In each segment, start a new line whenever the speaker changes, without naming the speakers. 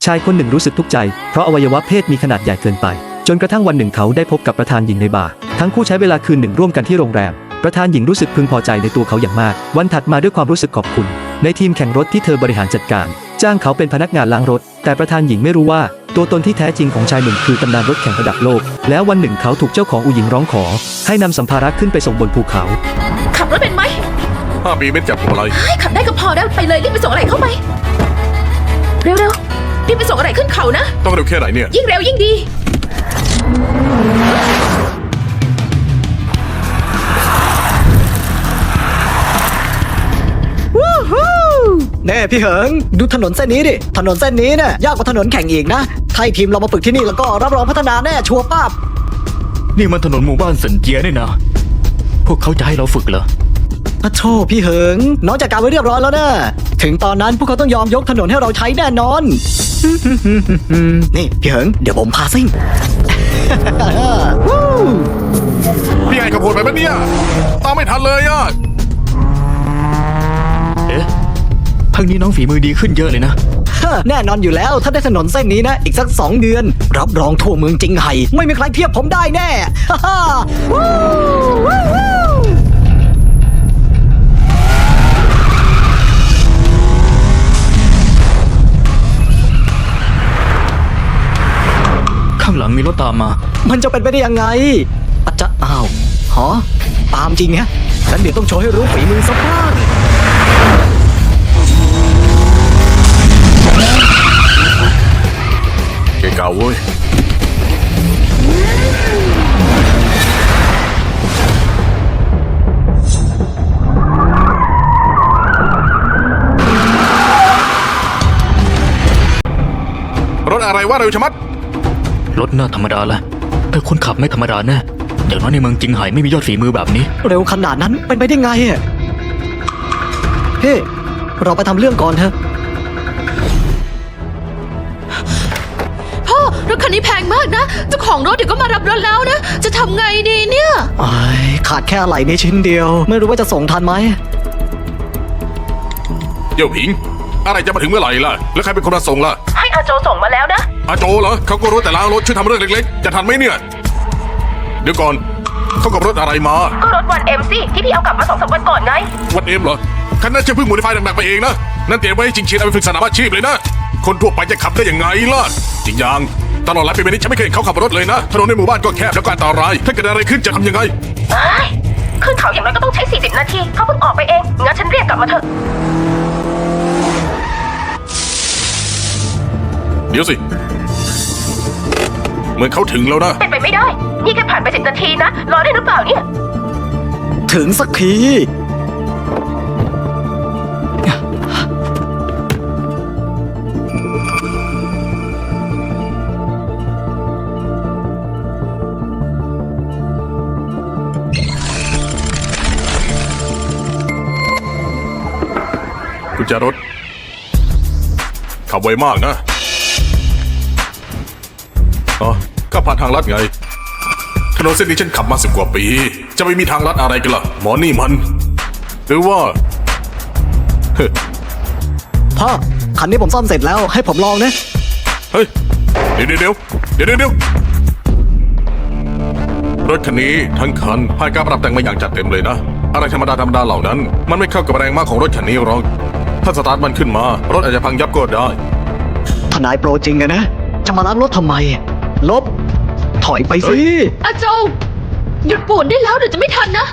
ชายคนหนึ่งรู้สึกทุกข์ใจเพราะอวัยวะเพศมีขนาดใหญ่เกินไปจนกระทั่งวันหนึ่งเขาได้พบกับประธานหญิงในบาร์ทั้งคู่ใช้เวลาคืนหนึ่งร่วมกันที่โรงแรมประธานหญิงรู้สึกพึงพอใจในตัวเขาอย่างมากวันถัดมาด้วยความรู้สึกขอบคุณในทีมแข่งรถที่เธอบริหารจัดการจ้างเขาเป็นพนักงานล้างรถแต่ประธานหญิงไม่รู้ว่าตัวตนที่แท้จริงของชายหนุ่มคือตำนานรถแข่งระดับโลกแล้ววันหนึ่งเขาถูกเจ้าของอู่หญิงร้องขอให้นำสัมภาระขึ้นไปส่งบนภูเขา
ขับรถเป็นไหม
5 ปีไม่จับผมอะไร
ขับได้ก็พอแล้วไปเลยรีบไปส่งอะไรเข้าไปเร็วๆรีบไปส่งอะไรขึ้นเขานะ
ต้องเร็วแค่ไหนเนี่ย
ยิ่งเร็วยิ่งดี
เน่พี่เหิงดูถนนเส้นนี้ดิถนนเส้นนี้เนี่ยยากกว่าถนนแข่งอีกนะถ้าทีมเรามาฝึกที่นี่แล้วก็รับรองพัฒนาแน่ชัวร์ป้าบ
นี่มันถนนหมู่บ้านเซินเจียนี่นะพวกเขาจะให้เราฝึกเหรอ
พระโชพี่เหิงน้องจัดการไว้เรียบร้อยแล้วนะถึงตอนนั้นพวกเขาต้องยอมยกถนนให้เราใช้แน่นอนนี่พี่เหิงเดี๋ยวผมพาซิ่ง
พี่ไงขับโหดไปปะเนี่ยตามไม่ทันเลยอ่ะ
เอ๊ะพักนี้น้องฝีมือดีขึ้นเยอะเลยนะ
แน่นอนอยู่แล้วถ้าได้ถนนเส้นนี้นะอีกสัก2 เดือนรับรองทั่วเมืองจิงไห่ไม่มีใครเทียบผมได้แน่
ข้างหลังมีรถตามมา
มันจะเป็นไปได้ยังไงอาจจะอ้าวหอตามจริงฮะงั้นเดี๋ยวต้องโชว์ให้รู้ฝีมือสักบ้าง
เก่าเว้ยรถอะไรวะเร็วชะมัด
รถน่าธรรมดาแหละแต่คนขับไม่ธรรมดาแน่อย่างน้อยในเมืองจิงไห่ไม่มียอดฝีมือแบบนี้
เร็วขนาดนั้นเป็นไปได้ไงอ่ะเฮ้เราไปทำเรื่องก่อนเถอะ
พ่อรถคันนี้แพงมากนะเจ้าของรถเดี๋ยวก็มารับรถแล้วนะจะทำไงดีเนี่ย
ขาดแค่อะไหล่นี้ชิ้นเดียวไม่รู้ว่าจะส่งทันไหม
เดี๋ยวผิงอะไรจะมาถึงเมื่อไหร่ล่ะแล้วใครเป็นคนมาส่งล่ะ
ให้อาโจส่งมาแล้วนะ
อาโจเหรอเขาก็รู้แต่ล้างรถช่วยทำเรื่องเล็กๆจะทันไหมเนี่ยเดี๋ยวก่อนเขากับรถอะไรมา
ก็รถวันเอ็มสิที่พี่เอากลับมา2-3 วันก่อนไง
วันเอ็มเหรอคันนั้นจะเพิ่งโมดิฟายหนักๆไปเองนะนั่นเตรียมไว้ให้จริงๆเอาไปฝึกสนามอาชีพเลยนะคนทั่วไปจะขับได้ยังไงล่ะจริงอย่างตลอดหลายปีนี้ฉันไม่เคยเห็นเขาขับรถเลยนะถนนในหมู่บ้านก็แคบแล้วก็อันตรายถ้าเกิดอะไรขึ้นจะทำยังไง
ขึ้นเขาอย่างน้อยก็ต้องใช้40 นาทีเขาเพิ่งออกไปเองงั้นฉันเรียกกลับมาเถอะ
เดี๋ยวสิเหมือนเขาถึงแล้วนะ
เป็นไปไม่ได้นี่แค่ผ่านไป10 นาทีนะรอได้หรือเปล่าเนี่ย
ถึงสักที
กุญแจรถขับไวมากนะก็ผ่านทางลัดไงถนนเส้นนี้ฉันขับมา10 กว่าปีจะไม่มีทางลัดอะไรกันล่ะหมอนี่มันหรือว่า
พ่อคันนี้ผมซ่อมเสร็จแล้วให้ผมลองนะ
เฮ้ยเดี๋ยวรถคันนี้ทั้งคันผ่านการปรับแต่งมาอย่างจัดเต็มเลยนะอะไรธรรมดาเหล่านั้นมันไม่เข้ากับแรงม้าของรถคันนี้หรอกถ้าสตาร์ทมันขึ้นมารถอาจจะพังยับก็ได้
ทนายโปรจริงอะนะจะมาล้างรถทำไมลบถอยไปสิ
อาโจหยุดป่วนได้แล้วเดี๋ยวจะไม่ทันนะ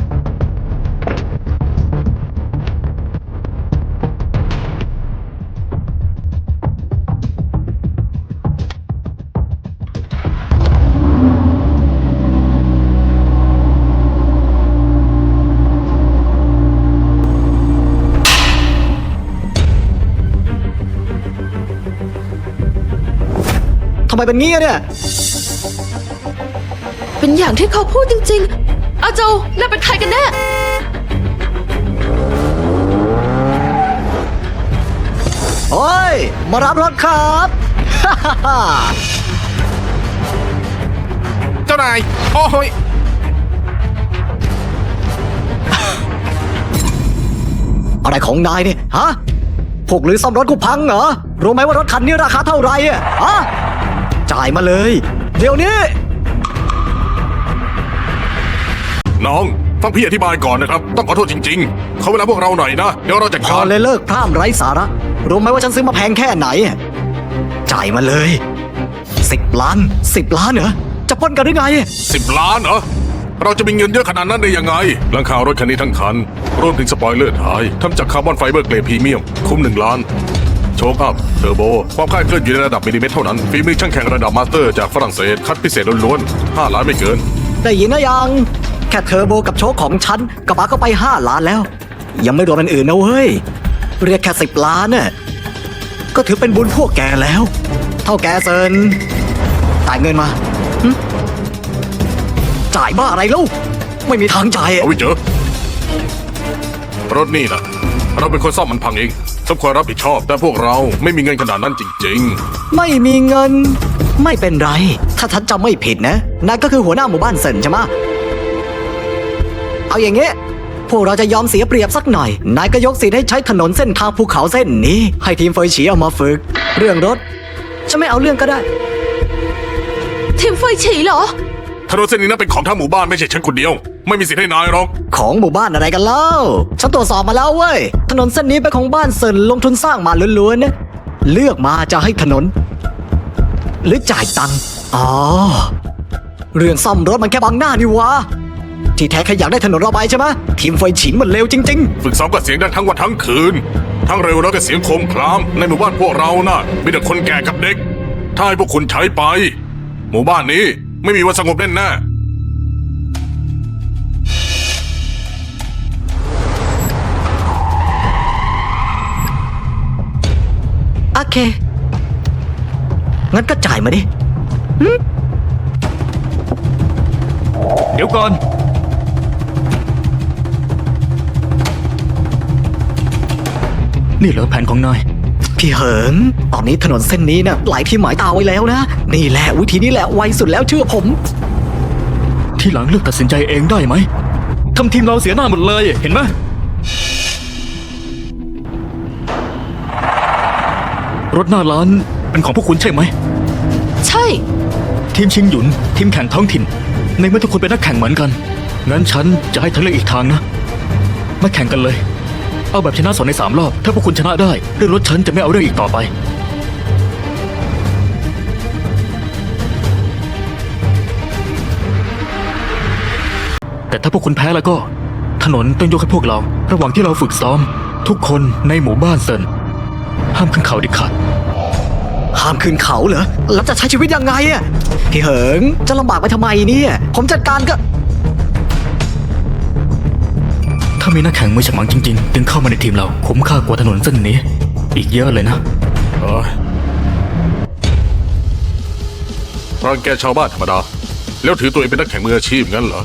ทำไมเป็นงี้เนี่ย
เป็นอย่างที่เขาพูดจริงๆอาโจน่าเป็นใครกันแน่
โอ้ยมารับรถครับ
เจ้านายโอ้ย
อะไรของนายเนี่ยฮะพวกหรือซ่อมรถกูพังเหรอ รู้ไหมว่ารถคันนี้ราคาเท่าไหร่อะจ่ายมาเลย เดี๋ยวนี้
น้องฟังพี่อธิบายก่อนนะครับ ต้องขอโทษจริงๆเขาเวลาพวกเราหน่อยนะ เดี๋ยวเราจัด
พ
กา
อ
ร
เลยเลิกพร่ำไร้สาระ รู้ไหมว่าฉันซื้อมาแพงแค่ไหน จ่ายมาเลย10 ล้าน10 ล้านเหรอ จะปล้นกันหรือไง
10 ล้านเหรอ เราจะมีเงินเยอะขนาดนั้นได้ยังไงหลังคารถคันนี้ทั้งคัน รวมถึงสปอยเลอร์ท้ายทำจากคาร์บอนไฟเบอร์เกรดพรีเมียม คุ้ม1 ล้าน โชคอัพ เทอร์โบ ความคลาดเคลื่อนอยู่ในระดับมิลลิเมตรเท่านั้น ฝีมือช่างแข่งระดับมาสเตอร์จากฝรั่งเศส คัดพิเศษล้วนๆ5 ล้านไม่เกิน
ได้ยินนะยัง แค่เทอร์โบกับโชคของฉันกระบะก็ไป5 ล้านแล้ว ยังไม่รวมอันอื่นนะเว้ย เรียกแค่10 ล้านน่ะก็ถือเป็นบุญพวกแกแล้ว เท่าแกเซินจ่ายเงินมาหึจ่ายบ้าอะไรลูกไม่มีทางจ่าย
เอาไว้เจอรถนี่นะเราเป็นคนซ่อมมันพังเองสมควรรับผิดชอบ แต่พวกเราไม่มีเงินขนาดนั้นจริง
ไม่มีเงิน ไม่เป็นไร ถ้าฉันจำไม่ผิดนะนายก็คือหัวหน้าหมู่บ้านเซินใช่ไหมเอาอย่างเงี้ยพวกเราจะยอมเสียเปรียบสักหน่อย นายก็ยกสิทธิ์ให้ใช้ถนนเส้นทางภูเขาเส้นนี้ ให้ทีมเฟยฉีเอามาฝึก เรื่องรถฉันไม่เอาเรื่องก็ได้
ทีมเฟยฉีเหรอ
ๆถนนเส้นนี้นั้นเป็นของทั้งหมู่บ้านไม่ใช่ฉันคนเดียว ไม่มีสิทธิ์ให้นายหรอก
ของหมู่บ้านอะไรกันเล่า ฉันตรวจสอบมาแล้วเว้ย ถนนเส้นนี้เป็นของบ้านเซินลงทุนสร้างมาล้วนๆนะ เลือกมาจะให้ถนน หรือจ่ายตังค์ อ๋อ เรื่องซ่อมรถมันแค่บังหน้านี่วะ ที่แท้แค่อยากได้ถนนระบายใช่ไหมทีมไฟฉินมันเลวจริง
ฝึกซ้อมก็เสียงดังทั้งวันทั้งคืน ทั้งเร็วแล้วก็เสียงโครมครามในหมู่บ้านพวกเราน่ะมีแต่คนแก่กับเด็ก ถ้าให้พวกคุณใช้ไป หมู่บ้านนี้ไม่มีวันสงบแน่ๆ
ๆ โอเค งั้นก็จ่ายมาดิ
เดี๋ยวก่อน นี่เหรอแผนของนาย
พี่เหิง ตอนนี้ถนนเส้นนี้นะหลายที่หมายตาไว้แล้วนะ นี่แหละวิธีนี้แหละไวสุดแล้วเชื่อผม
ที่หลังเลือกตัดสินใจเองได้ไหมทำทีมเราเสียหน้าหมดเลย เห็นไหมรถหน้าร้านเป็นของพวกคุณใช่ไหม
ใช่
ทีมชิงหยุน ทีมแข่งท้องถิ่น ในเมื่อทุกคนเป็นนักแข่งเหมือนกัน งั้นฉันจะให้เธอเลือกอีกทางนะ มาแข่งกันเลย เอาแบบชนะ2 ใน 3 รอบ ถ้าพวกคุณชนะได้เรื่องรถฉันจะไม่เอาเรื่องอีกต่อไป แต่ถ้าพวกคุณแพ้แล้วก็ ถนนต้องยกให้พวกเรา ระหว่างที่เราฝึกซ้อม ทุกคนในหมู่บ้านเซินห้ามขึ้นเขาเด็ดขาด
ห้ามขึ้นเขาเหรอ แล้วจะใช้ชีวิตยังไงอะพี่เหิง จะลำบากไปทำไมเนี่ย ผมจัดการก็
ถ้ามีนักแข่งมือฉมังจริงๆ ดึงเข้ามาในทีมเราคุ้มค่ากว่าถนนเส้นนี้ อีกเยอะเลยนะ
รังแกชาวบ้านธรรมดา แล้วถือตัวเองเป็นนักแข่งมืออาชีพงั้นเหรอ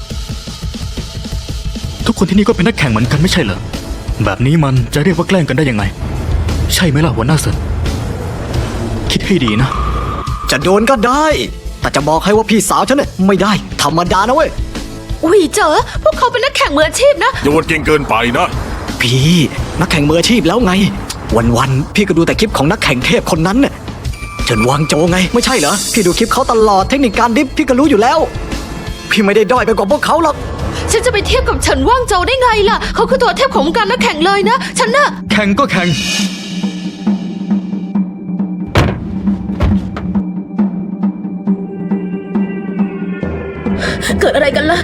ทุกคนที่นี่ก็เป็นนักแข่งเหมือนกันไม่ใช่เหรอ แบบนี้มันจะเรียกว่าแกล้งกันได้ยังไง ใช่ไหมล่ะหัวหน้าเซินคิดให้ดีนะ
จะโดนก็ได้ แต่จะบอกให้ว่าพี่สาวฉันเนี่ยไม่ได้ ธรรมดานะเว้ย
อุ้ยเจอ พวกเขาเป็นนักแข่งมืออาชีพนะ
อย่าวนเก่งเกินไปนะ
พี่นักแข่งมืออาชีพแล้วไง วันๆพี่ก็ดูแต่คลิปของนักแข่งเทพคนนั้นน่ะเฉินวางโจไง ไม่ใช่เหรอ พี่ดูคลิปเขาตลอดเทคนิคการดิฟพี่ก็รู้อยู่แล้ว พี่ไม่ได้ด้อยไปกว่าพวกเขาหรอก
ฉันจะไปเทียบกับเฉินว่างโจวได้ไงล่ะ เขาคือตัวเทพของวงการนักแข่งเลยนะ ฉันน่ะ
แข่งก็แข่ง
เกิดอะไรกันล่ะ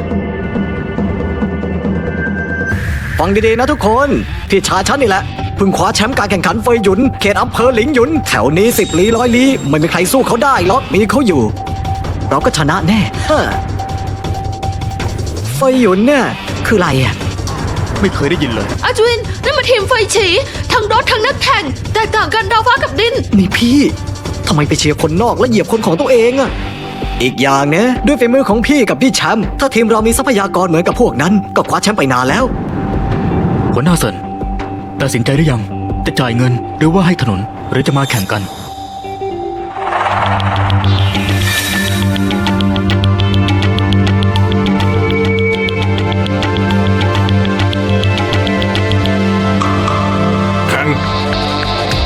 ฟังดีๆนะทุกคน พี่ชายฉันนี่แหละเพิ่งคว้าแชมป์การแข่งขันเฟยหยุนเขตอำเภอหลิงหยุน แถวนี้10 ลี้100 ลี้ไม่มีใครสู้เขาได้หรอกมีเขาอยู่ เราก็ชนะแน่เฮ้อเฟยหยุนเนี่ยคืออะไรอ่ะ
ไม่เคยได้ยินเลย
อาจวินนั่นมาทีมเฟยฉี ทั้งรถทั้งนักแข่ง แตกต่างกันดาวฟ้ากับดิน
นี่พี่ทำไมไปเชียร์คนนอกและเหยียบคนของตัวเองอะอีกอย่างนะด้วยฝีมือของพี่กับพี่แชมป์ถ้าทีมเรามีทรัพยากรเหมือนกับพวกนั้น ก็คว้าแชมป์ไปนานแล้ว
หัวหน้าเซินตัดสินใจหรือยัง จะจ่ายเงินหรือว่าให้ถนนหรือจะมาแข่งกัน
แข่ง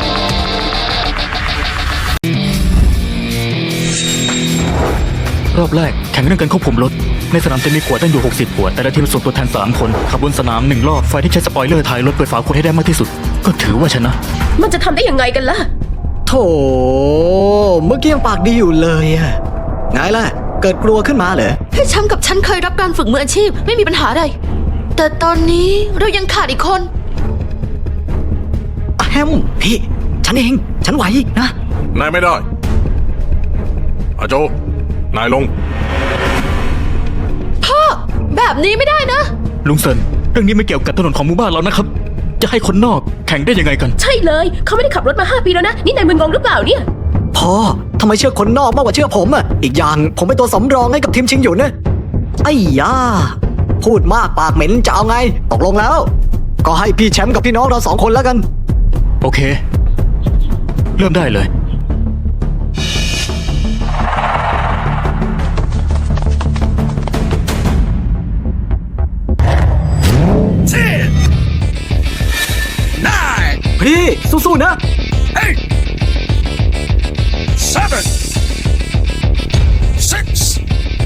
รอบแรกแข่งเรื่องการควบคุมรถ ในสนามจะมีขวดตั้งอยู่60ขวดแต่ละทีมส่งตัวแทน3คนขับบนสนาม1รอบไฟที่ใช้สปอยเลอร์ถ่ายรถเปิดฝาขวดให้ได้มากที่สุด ก็ถือว่าชนะ
มันจะทำได้ยังไงกันล่ะ
โถเมื่อกี้ยังปากดีอยู่เลยอะไงล่ะ เกิดกลัวขึ้นมาเหรอ
พี่แชมป์กับฉันเคยรับการฝึกมืออาชีพไม่มีปัญหาอะไร แต่ตอนนี้เรายังขาดอีกคน
แฮมพี่ ฉันเอง ฉันไหวนะ
นายไม่ได้อาโจ นายลง
พ่อ แบบนี้ไม่ได้นะ
ลุงเซินเรื่องนี้ไม่เกี่ยวกับถนนของหมู่บ้านเรานะครับ จะให้คนนอกแข่งได้ยังไงกัน
ใช่เลย เขาไม่ได้ขับรถมา5 ปีแล้วนะ นี่นายมึนงงหรือเปล่าเนี่ย
พ่อทำไมเชื่อคนนอกมากกว่าเชื่อผมอ่ะ อีกอย่างผมเป็นตัวสำรองให้กับทีมชิงหยุนนะไอ้ยาพูดมากปากเหม็นจะเอาไง ตกลงแล้ว ก็ให้พี่แชมป์กับพี่น้องเรา2 คนแล้วกัน
โอเค เริ่มได้เลย
พี่สู้ๆนะ
7 6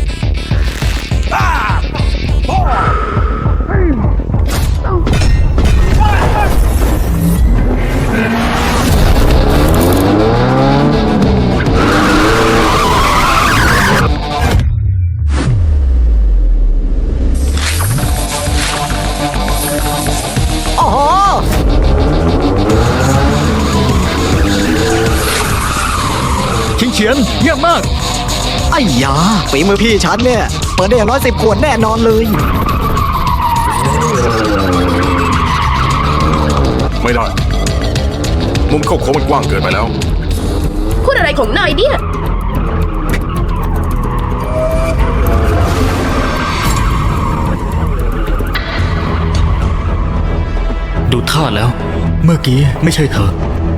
อ๋อ
ชิงเฉียนเยี่ยมมาก
ไอ้ยาฝีมือพี่ฉันเนี่ย เปิดได้อย่างน้อย10 ขวดแน่นอนเลย
ไม่ได้ มุมเข้าโค้งมันกว้างเกินไปแล้ว
พูดอะไรของนายเนี่ย
ดูท่าแล้ว เมื่อกี้ไม่ใช่เธอ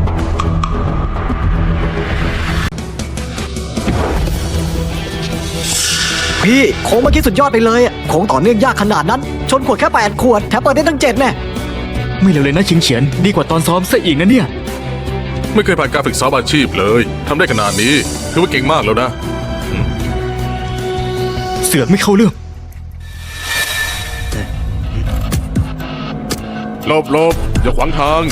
พี่โค้งเมื่อกี้สุดยอดไปเลยอะโค้งต่อเนื่องยากขนาดนั้น ชนขวดแค่8 ขวดแถมเปิดได้ตั้ง7แน่
ไม่เลวเลยนะชิงเฉียนดีกว่าตอนซ้อมซะอีกนะเนี่ย
ไม่เคยผ่านการฝึกซ้อมอาชีพเลยทำได้ขนาดนี้ถือว่าเก่งมากแล้วนะ
เสือกไม่เข้าเรื่อง
หลบอย่าขวางทาง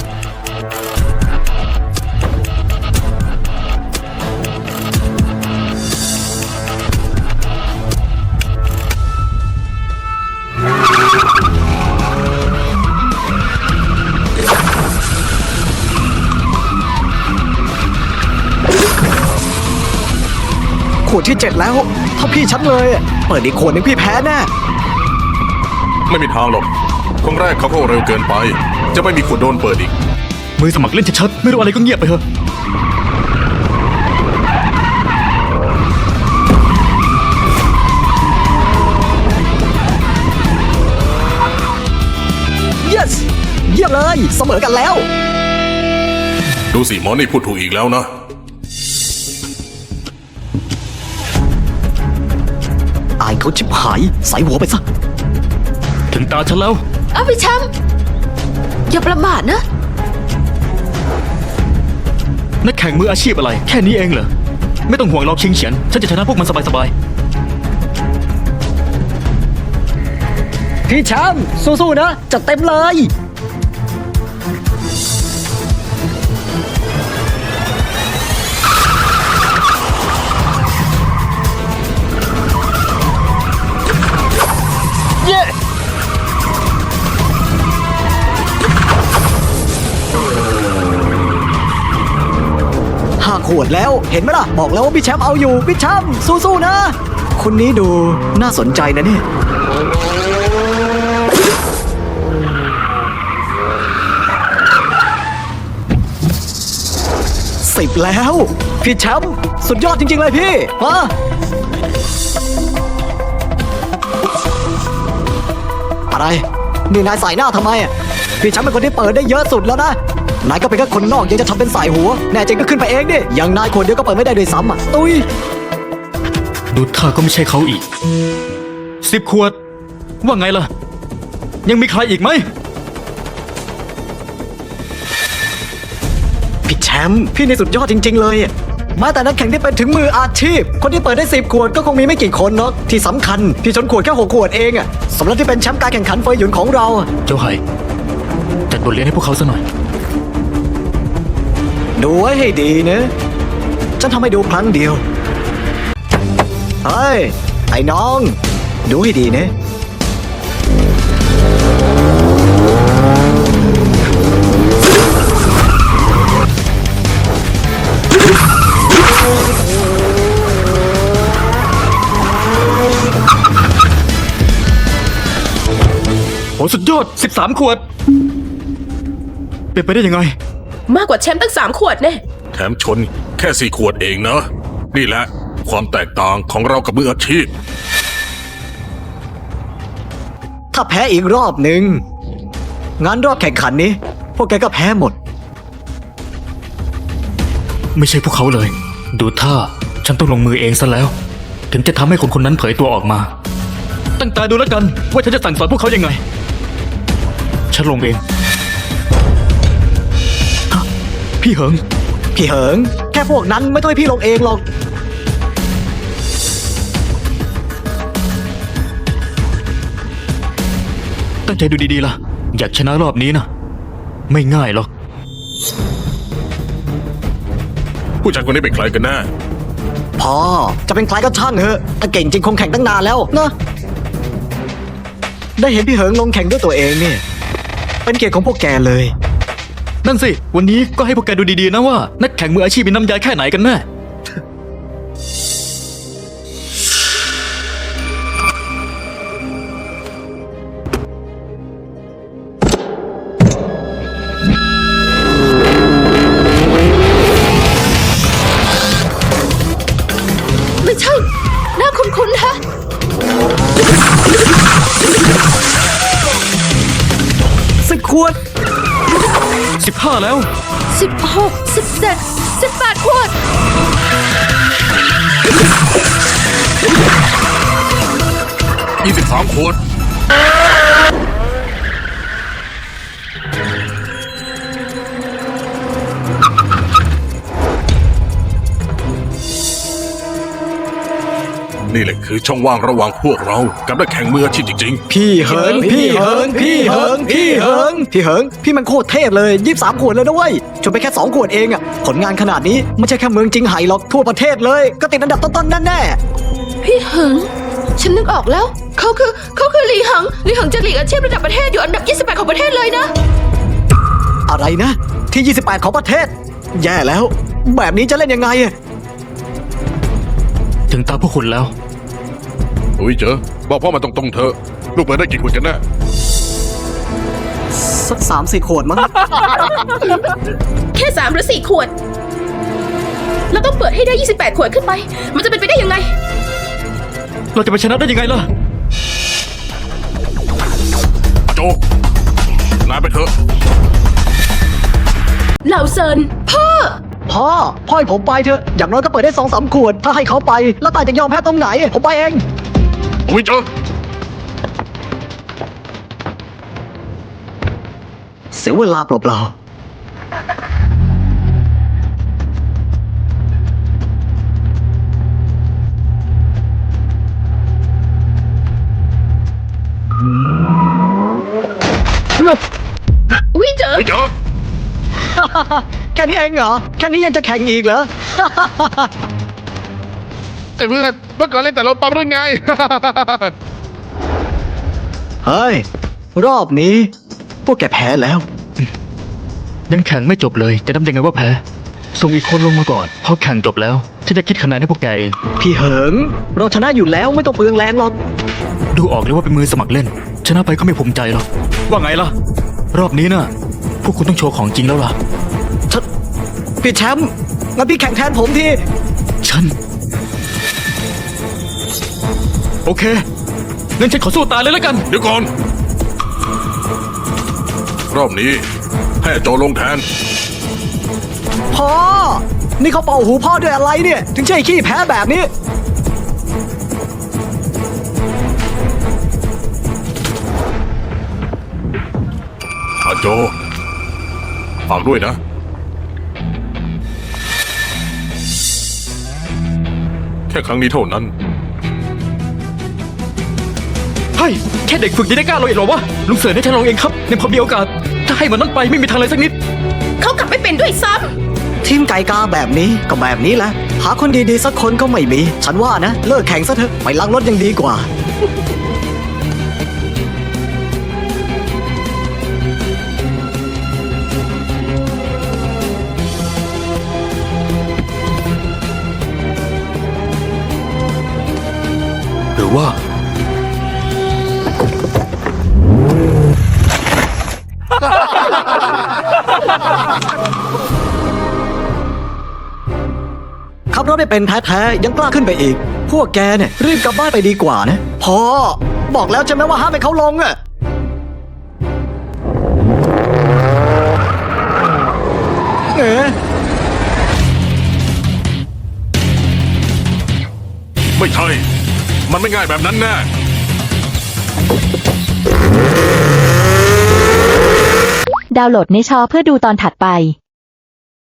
ขวดที่ 7 แล้วเท่าพี่ฉันเลยอะเปิดอีกขวดหนึงพี่แพ้แน่
ไม่มีทางหรอกครั้งแรกเขาก็เร็วเกินไป จะไม่มีขวดโดนเปิดอีก
มือสมัครเล่นชัดๆไม่รู้อะไรก็เงียบไปเถอะ
yes เยี่ยมเลยเสมอกันแล้ว
ดูสิหมอนี่พูดถูกอีกแล้วนะ
อายเขาชิบหายใส่หัวไปซะ
ถึงตาฉันแล้ว
เอาพี่แชมป์อย่าประมาทนะ
นักแข่งมืออาชีพอะไร แค่นี้เองเหรอ ไม่ต้องห่วงหรอกชิงเฉียน ฉันจะชนะพวกมันสบาย
พี่แชมป์สู้ๆนะจัดเต็มเลย เย้ 5 ขวดแล้วเห็นไหมล่ะ บอกแล้วว่าพี่แชมป์เอาอยู่ พี่แชมป์สู้ๆนะ คนนี้ดูน่าสนใจนะเนี่ย 10 แล้ว พี่แชมป์สุดยอดจริง ๆ เลยพี่มาอะไร นี่นายใส่หน้าทำไมอ่ะพี่แชมป์เป็นคนที่เปิดได้เยอะสุดแล้วนะ นายก็เป็นแค่คนนอกยังจะทำเป็นสายหัว แน่จริงก็ขึ้นไปเองดิอย่างนายคนเดียวก็เปิดไม่ได้ด้วยซ้ำอ่ะตุ้ย
ๆ ดูท่าก็ไม่ใช่เขาอีก 10 ขวด ว่าไงล่ะ ยังมีใครอีกไหม
พี่แชมป์พี่นี่สุดยอดจริง ๆ เลยอะแม้แต่นักแข่งที่เป็นถึงมืออาชีพ คนที่เปิดได้10 ขวดก็คงมีไม่กี่คนหรอกที่สำคัญพี่ชนขวดแค่6 ขวดเองอะสำหรับที่เป็นแชมป์การแข่งขันเฟยหยุนของเราอะ
เจ้าไห่จัดบทเรียนให้พวกเขาซะหน่อย
ดูไว้ให้ดีนะฉันทำให้ดูครั้งเดียวเฮ้ยไอ้น้อง ดูให้ดีนะ
โหสุดยอด 13 ขวด เป็นไปได้ยังไง
มากกว่าแชมป์ตั้ง3 ขวดแน่
แถมชนแค่4 ขวดเองนะ นี่แหละความแตกต่างของเรากับมืออาชีพ
ถ้าแพ้อีกรอบหนึ่งงานรอบแข่งขันนี้ พวกแกก็แพ้หมด
ไม่ใช่พวกเขาเลย ดูท่าฉันต้องลงมือเองซะแล้ว ถึงจะทำให้คนคนนั้นเผยตัวออกมา ตั้งตาดูแล้วกัน ว่าฉันจะสั่งสอนพวกเขายังไง ฉันลงเองฮะพี่เหิง
พี่เหิง แค่พวกนั้นไม่ต้องให้พี่ลงเองหรอก
ตั้งใจดูดีๆล่ะ อยากชนะรอบนี้นะ ไม่ง่ายหรอก
ผู้ชายคนนี้เป็นใครกันแน่
พอจะเป็นใครก็ช่างเถอะถ้าเก่งจริงคงแข่งตั้งนานแล้วนะได้เห็นพี่เหิงลงแข่งด้วยตัวเองเนี่ย เป็นเกียรติของพวกแกเลย
นั่นสิ วันนี้ก็ให้พวกแกดูดีๆนะว่า นักแข่งมืออาชีพมีน้ำยาแค่ไหนกันแน่
ไม่ใช่ หน้าคุ้นๆฮะ
10 ขวด
15 แล้ว
16 17 18 ขวด
23 ขวด นี่แหละคือช่องว่างระหว่างพวกเรากับนักแข่งมืออาชีพจริง
พี่เหิง พี่เหิง พี่เหิง พี่เหิง พี่เหิง พี่มันโคตรเทพเลย23 ขวดเลยนะเว้ยชนไปแค่2 ขวดเองอะผลงานขนาดนี้ไม่ใช่แค่เมืองจิงไห่หรอกทั่วประเทศเลย ก็ติดอันดับต้นๆแน่
พี่เหิง ฉันนึกออกแล้ว เขาคือหลีหังจะหลีกอาชีพระดับประเทศอยู่อันดับ 28 ของประเทศเลยนะ
ๆอะไรนะ ที่ 28 ของประเทศ แย่แล้ว แบบนี้จะเล่นยังไงอะ
ถึงตาพวกคุณแล้ว
ๆ อุ้ยเจอบอกพ่อมาตรงๆเถอะ ลูกเปิดได้กี่ขวดกันแน่
สัก3-4 ขวดมั้ง
แค่3 หรือ 4 ขวด เราต้องเปิดให้ได้ 28 ขวดขึ้นไป มันจะเป็นไปได้ยังไง
เราจะไปชนะได้ยังไงล่ะ
โจ นายไปเถอะ
เหล่าเซิน
พ่อให้ผมไปเถอะ อย่างน้อยก็เปิดได้ 2-3 ขวด ถ้าให้เขาไป แล้วตายจะยอมแพ้ตรงไหน ผมไปเอง
อุ้ยเจอ
เสียเวลาเปล่าๆ
วิเจอ
อุ้ยเจอ
แค่นี้เองเหรอ แค่นี้ยังจะแข่งอีกเหรอ
ไอ้เพื่อนเมื่อก่อนเล่นแต่รถปั๊มรุ่นไง
เฮ้ย รอบนี้ พวกแกแพ้แล้ว
ยังแข่งไม่จบเลย จะนับยังไงว่าแพ้ ส่งอีกคนลงมาก่อน พอแข่งจบแล้วฉันจะคิดคะแนนให้พวกแกเอง
พี่เหิง เราชนะอยู่แล้วไม่ต้องเปลืองแรงหรอก
ดูออกเลยว่าเป็นมือสมัครเล่น ชนะไปก็ไม่ภูมิใจหรอก ว่าไงล่ะ รอบนี้น่ะ พวกคุณต้องโชว์ของจริงแล้วล่ะ
พี่แชมป์งั้นพี่แข่งแทนผมที
ฉัน โอเคงั้นฉันขอสู้ตายเลยแล้วกัน
เดี๋ยวก่อน รอบนี้ให้โจลงแทน
พ่อ นี่เขาเป่าหูพ่อด้วยอะไรเนี่ย ถึงใช่ขี้แพ้แบบนี้
อาโจฝากด้วยนะแค่ครั้งนี้เท่านั้น
เฮ้ยแค่เด็กฝึกยังได้กล้าลงอีกเหรอวะลุงเสือให้ฉันลองเองครับในพอมีโอกาส ถ้าให้มันนั่นไปไม่มีทางเลยสักนิด
เขากลับไม่เป็นด้วยซ้
ทีมไก่กาแบบนี้ก็แบบนี้แหละ หาคนดีๆสักคนก็ไม่มี ฉันว่านะ เลิกแข่งซะเถอะ ไปล้างรถยังดีกว่า
หรือว่า
ขับรถได้เป็นแท้ๆยังกล้าขึ้นไปอีก พวกแกเนี่ยรีบกลับบ้านไปดีกว่านะพอบอกแล้วใช่ไหมว่าห้ามให้เขาลงอะเอ๊ะ
ไม่ใช่ มันไม่ง่ายแบบนั้นแน่
ดาวน์โหลดในชอเพื่อดูตอนถัดไป